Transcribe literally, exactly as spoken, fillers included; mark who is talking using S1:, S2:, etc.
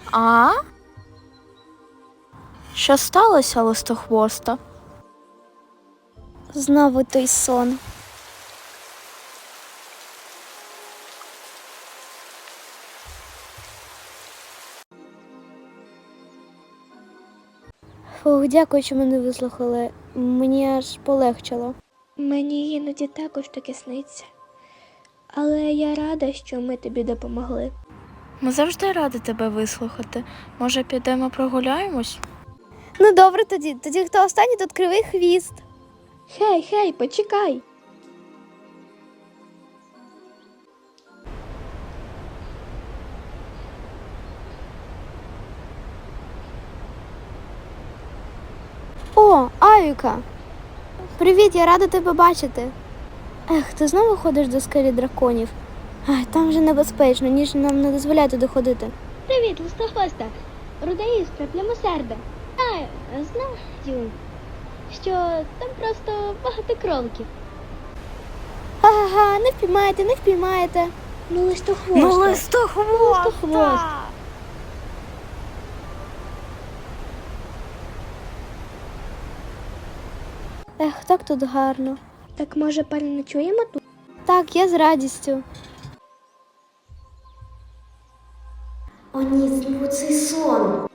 S1: А? Що сталося, листохвоста?
S2: Знову той сон. Фух, дякую, що мене вислухали. Мені аж полегчало. Мені іноді також таке сниться. Але я рада, що ми тобі допомогли.
S1: Ми завжди раді тебе вислухати. Може, підемо прогуляємось?
S2: Ну добре тоді. Тоді хто останній, тут кривий хвіст. Хей, хей, почекай. О, Авіка! Привіт, я рада тебе бачити. Ех, ти знову ходиш до скелі драконів? Ай, там вже небезпечно, ніж нам не дозволяє туди ходити.
S3: Привіт, листохвоста. Руда іскра, плямосерда. А, знаю, що там просто багато кроликів.
S2: Ага, не впіймаєте, не впіймаєте.
S3: Ну, листохвоста.
S1: Ну, листохвоста!
S3: Листохвост.
S2: Ех, так тут гарно.
S3: Так може переночуємо тут?
S2: Так, я з радістю.
S4: О ні, знову цей сон.